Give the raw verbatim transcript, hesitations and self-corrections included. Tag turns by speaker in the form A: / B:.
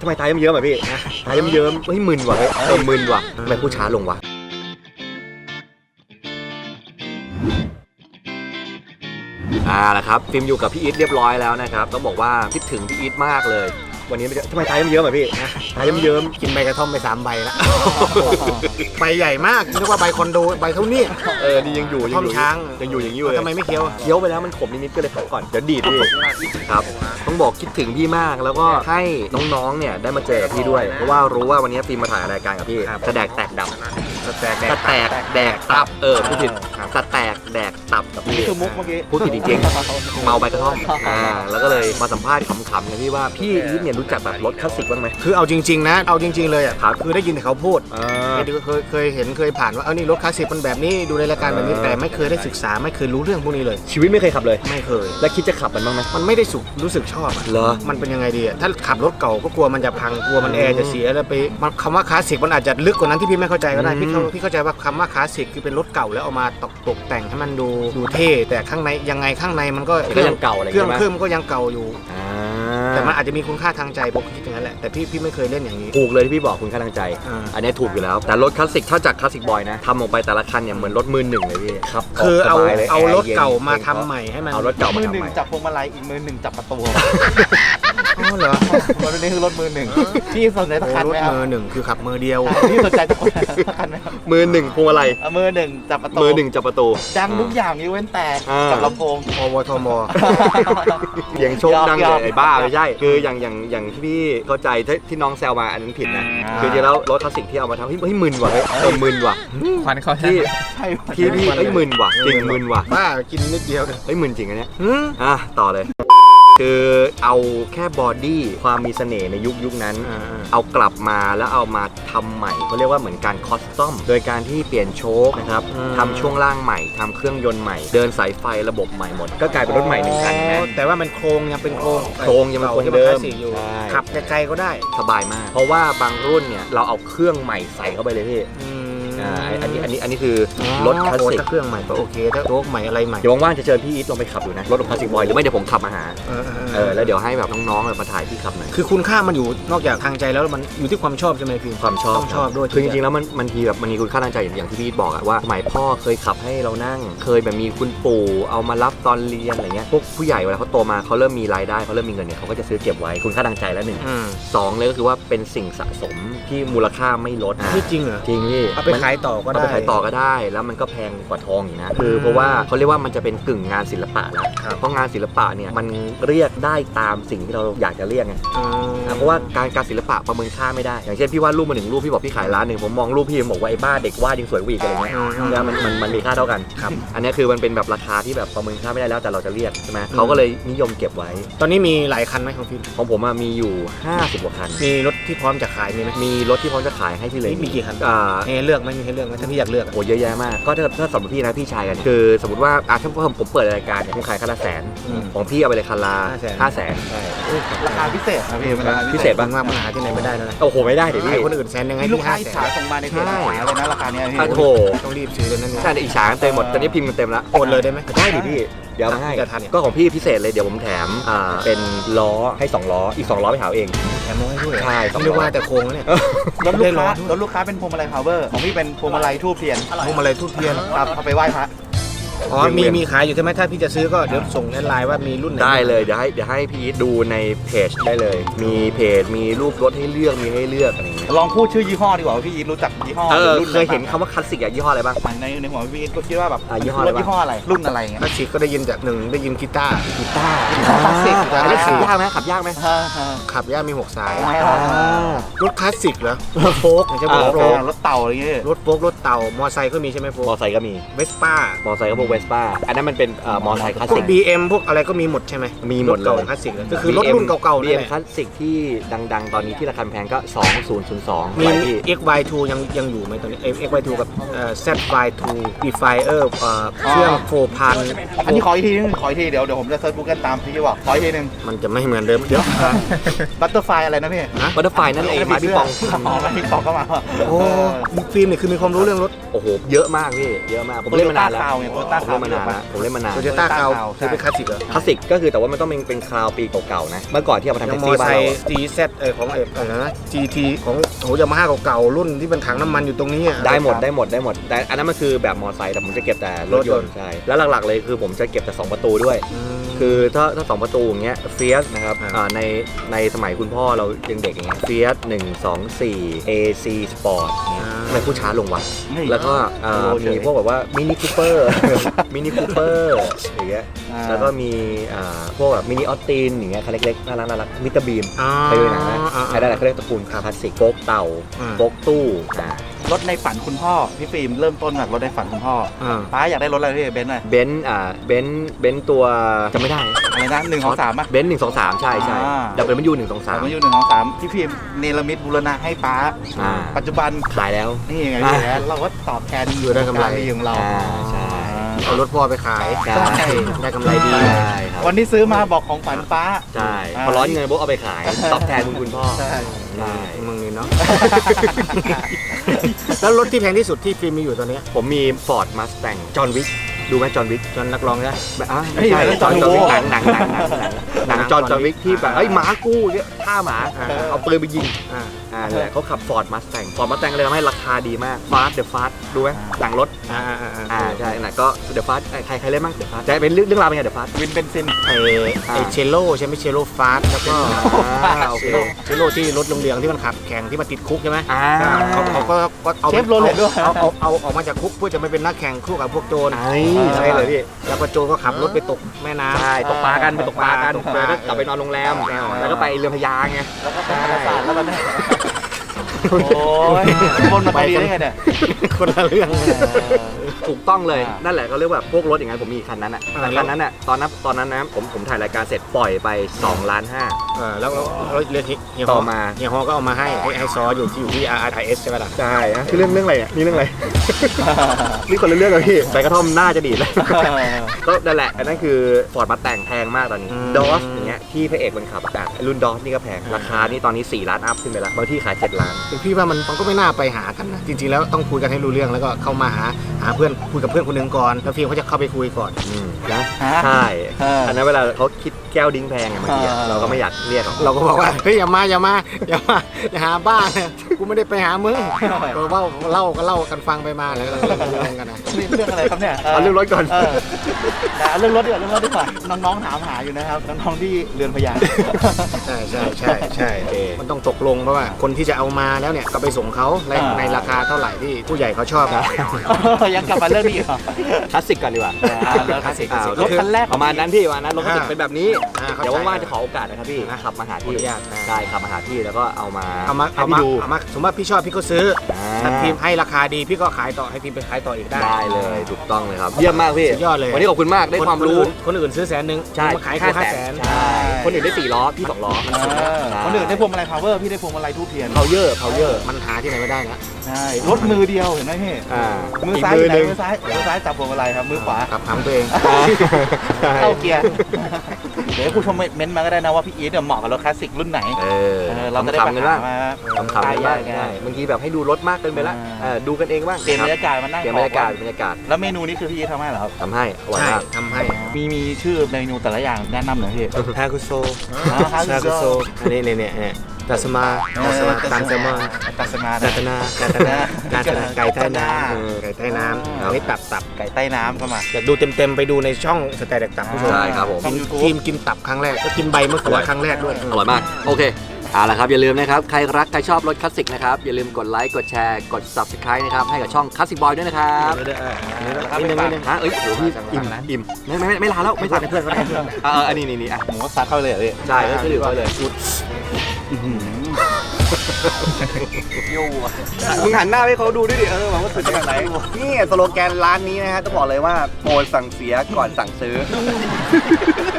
A: ทำไมตายเยิ้มๆอ่ะพี่ตายเยิ้มๆเฮ้ยมึนว่ะเฮ้ยเออมึนว่ะทำไมพูดช้าลงวะอ่าละครับฟิล์มอยู่กับพี่อีทเรียบร้อยแล้วนะครับต้องบอกว่าคิดถึงพี่อีทมากเลยวันนี้ทำไมตายเยิ้มๆอ่ะพี่ตายเยิ้ม
B: ๆกินใบกระท่อมไปสามใบละใบใหญ่มากนึกว่าใบคอนโดใบเท่านี้
A: เออนี่ยังอยู่ยังอยู่ยังอยู่อย่างนี้เลย
B: ทำไมไม่เคี้ยว
A: เคี้ยวไปแล้วมันขมนิดๆก็เลยพักก่อนเดี๋ยวดีดพี่ครับต้องบอกคิดถึงพี่มากแล้วก็ให้น้องๆเนี่ยได้มาเจอพี่ด้วยเพราะว่ารู้ว่าวันนี้ฟิล์มมาถ่ายรายการกับพี่จะแดกแตกดับจะแตกแดกแตกแดกตับเออพูดผิดจะแตกแดกตับกับพี่
C: คือมุกเมื่อกี้
A: พูดผิดจริงๆเมาใบกระท่อมอ่าแล้วก็เลยมาสัมภาษณ์ขำๆกันพี่ว่าพี่อีทเนี่ยรู้จักแบบรถคลาสสิกบ้างไหม
B: คือเอาจริงๆนะเอาจริงๆเลยอ่ะคือได้ยินแต่เขาพูดเคยเคยเห็นเคยผ่านว่าเออนี่รถคลาสสิกมันแบบนี้ดูในรายการแบบนี้แต่ไม่เคยได้ศึกษาไม่เคยรู้เรื่องพวกนี้เลย
A: ชีวิตไม่เคยขับเลย
B: ไม่เคย
A: แล้วคิดจะขับมันบ้างไหม
B: มันไม่ได้สุขรู้สึกชอบ
A: เหรอ
B: มันเป็นยังไงดีอ่ะถ้าขับรถเก่าก็กลัวมันจะพังกลัวมันแอร์จะเสียแล้วไปคำว่าคลาสสิกมันอาจจะลึกกว่านั้นที่พี่ไม่เข้าใจก็ได้พี่เข้าพี่เข้าใจว่าคำว่าคลาสสิกคือเป็นรถเก่าแล้วเอามาตกตกแต่งให้มันดูดูเท่แต่ข้างในยังไงข้างในมันก็
A: ก็ยังเก่าอะไร
B: เครื่องเครื่องก็ยังเก่าอยู่แต่มันอาจจะมีคุณค่าทางใจผมคิดอย่างนั้นแหละแต่พี่พี่ไม่เคยเล่นอย่างนี้
A: ถูกเลยที่พี่บอกคุณค่าทางใจอันนี้ถูกอยู่แล้วแต่รถคลาสสิกถ้าจากคลาสสิกบอยนะทำออกไปแต่ละคันเนี่ยเหมือนรถมือหนึ่งเลยพี่ครับ
B: คือเอาเอารถเก่ามาทำใหม่ให้มัน
A: เอารถเก่ามา
C: ทำ
A: ใหม่มือห
C: นึ่งจับพวงมาลัยอีกมือหนึ่งจับประตู
B: อ๋อเหรอ
C: รถนี้คือรถมือหนึ่งพี่สนใจสักคันไหม
B: ครับรถมือหนึ่งคือขับมือเดียว
C: พี่สนใจสักคันไหมครับ
A: มือหนึ่งพวงมาลัย
C: มือหนึ่งจับประตู
A: มือหนึ่งจับประตู
C: ดังทุกอย่างยกเว้นแต่จับลำโพง
B: อวทม
A: เสียงโชคดังเลยไอ้บ้าไม่ใช่คืออย่างอย่างอย่างที่พี่เข้าใจที่น้องแซวมาอันนั้นผิดนะคือจริงแล้วรถคลาสสิกที่เอามาทำเฮ้ยมึนว่ะเฮ้ยเออมึนว่ะ
C: ควันเขา
A: ที่ที่พี่เฮ้ยมึนว่ะจริงมึนว่ะ
B: บ้ากินนิดเดียว
A: เฮ้ยมึนจริงอันเนี้ยอ่ะต่อเลยคือเอาแค่บอดี้ความมีเสน่ห์ในยุคยุคนั้นเอากลับมาแล้วเอามาทำใหม่เขาเรียกว่าเหมือนการคอสตอมโดยการที่เปลี่ยนโชคนะครับทำช่วงล่างใหม่ทำเครื่องยนต์ใหม่เดินสายไฟระบบใหม่หมดก็กลายเป็นรถใหม่หนึ่งคันนะ
B: แต่ว่ามันโครงยังเป็นโครง
A: โครงยังเป็นโครงเดิม
B: ขับไกลๆก็ได้
A: สบายมากเพราะว่าบางรุ่นเนี่ยเราเอาเครื่องใหม่ใส่เข้าไปเลยพี่อันนี้อันนี้อันนี้คือรถคลาสสิก
B: ถ้าเครื่องใหม่ก็โอเคถ้าโชคใหม่อะไรใหม่
A: เดี๋ยวว่างๆจะเชิญพี่อีทลงไปขับดูนะรถคลาสสิกบอยหรือไม่เดี๋ยวผมขับมาหาเออแล้วเดี๋ยวให้แบบน้องๆมาถ่ายพี่ขับหน่อย
B: คือคุณค่ามันอยู่นอกจากทางใจแล้วมันอยู่ที่ความชอบใช่ไหมพี่
A: ความชอบ
B: ต้องชอบด้วย
A: คือจริงๆแล้วมันมันทีแบบมันมีคุณค่าทางใจอย่างที่พี่อีทบอกอะว่าสมัยพ่อเคยขับให้เรานั่งเคยแบบมีคุณปู่เอามารับตอนเรียนอะไรเงี้ยพวกผู้ใหญ่เวลาเขาโตมาเขาเริ่มมีรายได้เขาเริ่มมีเงินเนี่ยเขาก็จะซื้อเก็บไว้คุณค่าทางใจแล้วหนึ่งสองเลยก็คือว่าเป็นสิ่งสะสมที่มูลค่าไม่ลด
B: นี่จริงเหรอ
A: จริงพี่
B: เอาไปขายต่อก็ได้
A: เอาไปขายต่อก็ได้แล้วมันก็แพงกว่าทองอีกนะคือเพราะว่าเขาเรียกว่ามันจะเป็นกึ่งงานศิลปะแล้วเพราะงานศิลปะเนี่ยมันเรียกได้ตามสิ่งที่เราอยากจะเรียกไงเพราะว่าการการศิลปะประเมินค่าไม่ได้อย่างเช่นพี่วาดรูปมาหนึ่งรูปพี่บอกพี่ขายร้านหนึ่งผมมองรูปพี่บอกว่าไอ้บ้าเด็กวาดยังสวยกว่าอีกอะไรเงี้ยแล้วมันมันมันมีค่าเท่ากันครับอันนี้คือมันเป็นแบบราคาที่แบบประเมินค่าไม่ได้แล้วแต่เราจะเรียกใช่ไหมเขาก็เลยนิยมเก็บไว้
B: ตอนนี้มีหลายคันไหมของพี่
A: ของผมมีอยู่ห้าสิบกว่าคัน
B: มีรถที่พร้อมจะขายมีไหม
A: มีรถที่พร้อมจะขายให้พี่เลย
B: มีกี่คันอ่าให้เลือกไหมมีให้เลือกไหมถ้าพี่อยากเลือก
A: โอ้เยอะแยะมากก็ถ้าถ้าสำหรับพี่นะพี่ชายกันคือสมมติว่าอ่ะถ้าผมผมเปิดรายการเนี่ยผมขายคันละแสนของพี่เอาไปเลยคันละห้าแสน
C: ราคาพิเศษนะพี่
A: พิเศษบ้าง
B: มากมันหาที่ไหนไม่ได้แล้วนะ
A: โอ้โหไม่ได้เดี๋ยวพี่
B: คนอื่นแสนยังไง
C: ลูกค้าอิจฉาส่งมาในเพจขายอะไรนะราคาเนี้ยพี่
A: โอ้โห
B: ต้องรีบซื้อเลยนั่น
A: ใช่อิจฉาเต็มหมดตอนนี้พิมพ์กันเต็มแล้ว
B: โอนเลยได้ไหม
A: ได้ดิพี่เดี๋ยวให้ก็ของพี่พิเศษเลยเดี๋ยวผมแถมอ่าเป็นล้อให้สองล้ออีกสองล้อไปหาเอง
B: แถมล้อให้ด้วย
A: ใช่
B: ไม่ได้ว่าแต่โครงเนี่ย
C: รถลูกค้ารถลูกค้าเป็นพวงมาลัยพาวเวอร์ของพี่เป็นพวงมาลัยทูบเทียน
B: พวงมาลัยทูบเทียน
C: ครับเอาไปไหว้พระ
B: อ๋อมีมีขายอยู่ใช่ไหมถ้าพี่จะซื้อก็เดี๋ยวส่งแอดไลน์ว่ามีรุ่นไหน
A: ได้เลยเดี๋ยวให้เดี๋ยวให้พี่ดูในเพจได้เลยมีเพจมีรูปรถให้เลือกมีให้เลือกอะไรอย่างเงี้ย
C: ลองพูดชื่อยี่ห้อดีกว่าพี่อีทรู้จักยี่ห้อ
A: รุ่นเคยเห็นคำว่าคลาสสิกอะยี่ห้ออะไรบ้าง
C: ในในหัวพี่อีทก็คิดว่าแบบ
A: ยี่ห้อ
C: รถยี่ห้ออะไรรุ่นอะไรเงี้ย
B: คลาสสิกก็ได้ยินจากหนึ่งได้ยินกีตาร์
A: กีตาร์คลาสสิกอันนี้ขับยากไหมขับยากไหม
B: ขับยากมีหกสายรถคลาสสิกเหรอโฟกไม่ใช่โฟก
C: รถเต่าอะไรเงี้ย
B: รถโฟกรถเต่ามอไซค์ก็มีใช่ไหมโฟก
A: มอไซค์ก็มี
B: เวสป้าม
A: อไซค์ก็พวกเวสป้าอันนั้นมันเป็นมอไซค์คลาสสิก
B: บี เอ็ม พวกอะไรก็มีหมดใช่ไหม
A: มีหมดเลย
B: คลาสสิกก็คือรถรุ่นเก่าๆ
A: บี เอ็ม คลาสสิกที่ดังๆตอนนี้ที่ราคาแพงก็สองพันสอง
B: มี เอ็กซ์ วาย ทู ยังยังอยู่ไหมตอนนี้ เอ็กซ์ วาย ทู กับ แซด วาย ทู Defier เครื่อง โฟร์พัน
C: อันนี้ขออีกทีนึงขออีกทีเดี๋ยวเดี๋ยวผมจะเซิร์ช Google ตามที่บอกขออีกทีนึง
B: มันจะไม่เหมือนเดิมเดี๋ยว
C: บัตเตอร์ไฟอะไรนะพี่
A: บัตเตอร์ไฟนั่นเองมาพี่ปอง
C: มาพี่ปองเข้ามา
B: โอ้ฟิล์มเนี่ยคือมีความรู้เรื่องรถ
A: โอ้โหเยอะมากพี่เยอะมากผมเล่นมานานแล้ว
C: โตต้า
A: ผมเล่นมานานแล้วผมเล่นมานาน
B: โตโยต้า
C: Toyota
B: เก่า
C: Crown
B: คือเป็นคลาสสิกเหรอ
A: คลาสสิกก็คือแต่ว่ามันต้องเป็นเป็นคราวปีเก่าๆนะเมื่อก่อนที่เอามาทำ
B: ยั
A: แท็
B: ง
A: ก
B: มอ
A: ซี่
B: ไซ
A: บ้านเรา
B: ค์
A: อะ
B: จี แซด เออของเอออะไรนะ จี ที ของโหยามาฮ่าเก่าๆรุ่นที่เป็นถังน้ำมันอยู่ตรงนี้อ่ะ
A: ได้หมดได้หมดได้หมดแต่อันนั้นมันคือแบบมอไซค์แต่ผมจะเก็บแต่รถยนต์ใช่แล้วหลักๆเลยคือผมจะเก็บแต่สองประตูด้วย
B: ม
A: คือถ้าถ้าสองประตูอย่างเงี้ยเฟียสนะครับ
B: อ่า
A: อ่าในในสมัยคุณพ่อเรายังเด็กอย่างเงี้ยเฟียสหนึ่งสองสี่ เอ ซี Sport เงี้ยทำไมผู้ช้าลงวะ
C: เฮ้ย
A: แล้วก็อ่า
C: โอ้เฉย
A: มีพวกแบบว่ามินิคูเปอร์ มินิคูเปอร์อย่างเงี้ย
C: อ่า
A: แล้วก็มีอ่าพวกแบบมินิออตตินอย่างเงี้ยคันเล็กๆน่ารักน่ารักมิสเตอร์บีม
B: อ่า
A: เคยดูหนังนะ
B: อ่า
A: ไอ้นั่นแหละเขาเรียกตระกูลคลาสสิกโฟกเต่า
B: อ่า
A: โฟกตู้อ่าร
C: ถในฝันคุณพ่อพี่ฟิล์มเริ่มต้นจากรถในฝันคุณพ่อ
B: อ่า
C: ป้าอยากได้รถอะไรพี่เบนซ์หน่อย
A: เบนซ์อ่าเบนซ์เบนซ์ตัวจำไม่ได้
C: อะไรนะหนึ่งของสามป่ะ
A: เบนซ์หนึ่งสองสามใช่ใช่
C: อ่า
A: ดับเบิลยูหนึ่งสองสาม
C: สามอยู่หนึ่งของสามพี่ฟิล์มเนรมิตบูรณะให้ป้า
A: อ่า
C: ปัจจุบัน
A: ขายแล้ว
C: นี่ไง
A: อ่า
C: พี่เราก็ตอบแทน
B: อยู่ได้กำไร
C: ดีของเรา
A: อ่าใช่
B: เอารถพ่อไปขาย
A: ใช่
B: ได้กำไรดี
A: ใช่ครับ
C: วันที่ซื้อมาบอกของฝันป้า
A: ใช่
C: อ่า
A: พอร้อนเงินปุ๊บเอาไปขายตอบแทนคุณคุณพ่อ
C: ใช่
A: ใช่
B: มึงนี่เนาะ แล้วรถที่แพงที่สุดที่ฟิล์มมีอยู่ตอนนี้
A: ผมมี Ford Mustang จอห์นวิกดูไหมจอห์นวิก
B: จนนักร้องใช่ไหม
A: แบบอ่ะไม่ใช่จอห์นวิกหนังหนังหนังหนังหนังหนังจอห์นจอห์นวิกที่แบบเอ้ยหมากู้เนี่ยฆ่าหมา
B: อ่า
A: เอาปืนไปยิง
B: อ่า
A: อ่านั่นแหละเขาขับ Ford Mustang Ford Mustang เลยทำให้ราคาดีมาก Fast The Fast ดูไหมหนังรถ
B: อ่าอ่าอ่า
A: อ่าใช่น่ะก็ The Fast ใครใครเล่นบ้าง The Fast จะเป็นเรื่องเรื่องราวเป็นไง The Fast
C: วินเบนซิน
B: ไอไอเชลโลใช่ไหมเชลโลฟาสแล้วก็
A: อ่าโอเค
B: เชลโลที่รถโรงเรียนที่มันขับแข่งที่มันติดคุกใช่ไหม
A: อ่า
B: เขาเขาก็ก็เอา
C: เชฟโรเลตด้วย
B: เอาเอาเอาเอาออกมาจากคุกเพื่อจะไม่เป็นนักแข่งคู่กับพวกโจร
A: ไอ้ใช่เลยพี่
B: แล้วก็โจรก็ขับรถไปตกแม่น้ำ
A: ใช่ตกปลากันไปตกปลากัน
B: ตกปลา
A: แล้วก็กลับไปนอนโรงแรม
B: ใช่
A: แล้วก็ไปเรือพระยาไง
C: แล้วก็เป็นธรรมศาสตร์แล้วก็ได้โอ้ยคนมาพอดีได้ไงเนี่ย
B: คนละเรื่อง
A: ถูกต้องเลย
C: อ่านั่
A: นั่นแหละก็เรียกว่าพวกรถอย่างนั้นผมมีคันนั้นอ่ะ
B: อ่า
A: แต่คันนั้นอ่ะตอนนั้นตอนนั้นนะผมผมถ่ายรายการเสร็จปล่อยไป2ล้านห้า
B: เออแล้วแล้วแล้วเรื่องเฮียฮ
A: ต่
B: อ
A: อมา
B: เฮียฮอก็เอามาให้ให้ให้ซออยู่ที่อยู่ที่ อาร์ อาร์ ไอ เอส ใช่ไหมล่ะ
A: ใช่นะคือเรื่องเรื่องอะไรอ่ะนี่เรื่องอะไร นี่คนละเรื่องเลยพี่ใบกระท่อมหน้าจะดีดแล้ว ก็นั่นแหละอันนั้นคือฟอร์ดมาแต่งแพงมากตอนนี้
B: อืม
A: ดอสอย่างเงี้ยที่พระเอกมันขับอะรุ่นดอสนี่ก็แพงราคานี่ตอนนี้สี่ล้านอัพขึ้นไปแล้วบางที่ขายเจ็ดล้าน
B: คือพี่ว่ามันมันก็ไม่น่าไปหากันนะจริงๆแล้วต้องคุยกันให้รู้เรื่องแล้วก็เข้ามาหาหาเพื่อนคุยกับเพื่อนคนหนึ่งก่อนแล้วฟิล์มเขาจะเข้าไปคุยก่อน
A: อืมนะ
C: ฮะ
A: ใช่
C: เอออั
A: อันนั้นเวลาเขาคิดแก้วดิ้งแพงไงบางทีอะ
C: เออ
A: เราก็ไม่อยากเรียกหรอก
B: เราก็บอกว่าเฮ้ยอย่ามาอย่ามาอย่ามาอย่าหาบ้านนะกูไม่ได้ไปหามึงเราเล่าเล่าก็เล่ากันฟังไปมาแล้วเราก็เรื่องกันนะ
C: นี่เรื่องอะไรครับเนี่ย
A: เอาเรื่องรถก่อน
C: เออแต่เอาเรื่องรถดีกว่าเรื่องรถดีกว่าน้องๆถามหาอยู่นะครับน้องๆที่เรือนพยา
B: ใช่ใช่ใช่ใช่มันต้องตกลงเพราะว่าคนที่จะเอามาแล้วเนี่ยก็ไปส่งเขาใน
C: อ่า
B: ในราคาเท่าไหร่ที่ผู้ใหญ่เขาชอบนะ
C: ยังกลับมาเรื่องนี้เหรอ
A: คลาสสิกก่อนดีกว่า
C: อ่าแล้วคลาสสิก
A: อ่าร
C: ถคันแรก
A: ประมาณนั้นพี่ประมาณนั้นรถคลาสสิกเป็นแบบนี้
B: อ่าเข้าใจ
A: เดี๋ยวว่างๆจะขอโอกาสนะครับพี่ขับมาหา
B: ขออ
A: ที่
B: นุญาตนะ
A: ได้ขับมาหาที่แล้วก็เอามา
B: เอามา
A: ให้
B: เอา
A: พี่
B: มา
A: ดู
B: เอามาสมมติว่าพี่ชอบพี่ก็ซื้อ
A: อ่า
B: ถ้าพิมพ์ให้ราคาดีพี่ก็ขายต่อให้พิมพ์ไปขายต่ออีกได้
A: ได้เลยถูกต้องเลยครับเยี่ยมมากพี่
B: สุดยอดเลย
A: วันนี้ขอบคุณมากได้ความรู้
B: นคนอื่นซื้อแสนหนึ่ง
A: ใช่
B: มาขายแค่ห้าแสน
A: ใช่คนอื่นได้สี่ล้อพี่สองล้อมัน
C: เอ
A: สุด
C: อคนอื่นได้พวงมาลัย power พี่ได้พวงมาลัยทูบเทียน
A: เพาเยอร์เพาเยอร์
B: มันหาที่ไหนไม่ได้นะ
C: ใช่รถมือเดียวเห็นไหมพี่
A: อ่า
C: มือ
A: อีก
C: ซ้าย
A: มื
C: อ
A: อยู่
C: ไห
A: ห
C: น
A: นึ่ง
C: มือซ้ายมือซ้ายจับพวงมาลัยครับมือขวา
B: ขับหำตัวเอง
C: เข้าเกียร์เดี๋ยวให้ผู้ชมเม้นต์มาก็ได้นะว่าพี่อีทเนี่ยเหมาะกับรถคลาสสิกรุ่นไหน
A: เออ
C: เออเราจะได้
A: ขำๆกันบ้าง
C: มา
A: ขำๆกันบ้าง
C: ได้
A: ใช่บางทีแบบให้ดูรถมากเกินไปละ
C: อ่า
A: เออดูกันเองบ้าง
C: เปลี่ยนบรรยากาศมานั่ง
A: เปลี่ยนบรรยากาศบรรยากาศ
C: แล้วเมนูนี้คือพี่อีททำให้เหรอครับ
A: ทำให้อร่อย
B: ใช่
A: มาก
B: ทำให้
C: มีมีชื่อเมนูแต่ละอย่างแนะนำหน่อยพี่
B: ฮาคุโซ
C: ฮา
B: ฮา
C: คุ
B: คุ
C: โซ
B: โซอันนี้เนี่ยเนี่ยเนี่ยตัสมาตัสมาตัสมา
C: ตัสมา
B: ตัสนาตัสนาตัสนาไก่ใต้น้ำเออไก่ใต้น้ำอันนี้ตับตับ
C: ไก่ใต้น้ำก็มา
B: อยากดูเต็มๆไปดูในช่องสแตนด์ตับผู้ชม
A: ใช่ครับผม
C: ช่อง YouTube
B: ทีมกินตับครั้งแรกแล้วกินใบมะเขือครั้งแรกด้วย
A: อร่อยมาก โอเคเอาละครับ อย่าลืมนะครับ ใครรัก ใครชอบรถคลาสสิกนะครับ อย่าลืมกดไลค์ กดแชร์ กด ซับสไครบ์ นะครับ ให้กับช่องคลาสสิกบอยด้วยนะครับ
B: ไม่ได้เอออันนี้
C: ครับ
B: นิดนึงนิดนึง
A: ฮะเอ้ยโหพี่อิ่มอิ่มไม่ไม่ไม่ไม่ลาแล้ว ไม่
B: ไม่
A: สั่
B: สั่
A: ง
B: งเพื่อนก็ได้เพื่อน
A: เอออันนี้นี่นี่อ่ะ
C: ผมก็ซัดเข้าไปเลยเหรอพี่
A: ใช่ก็คือดื่มไปเลย
C: ยู่อ่ะ
A: มึงหันหน้าให้เขาดูด้วยดิ เออว่าสุดขนาดไหนนี่สโลแกนร้านนี้นะฮะต้องบอกเลยว่าโปรดสั่งเสียก่อนสั่งซื้อ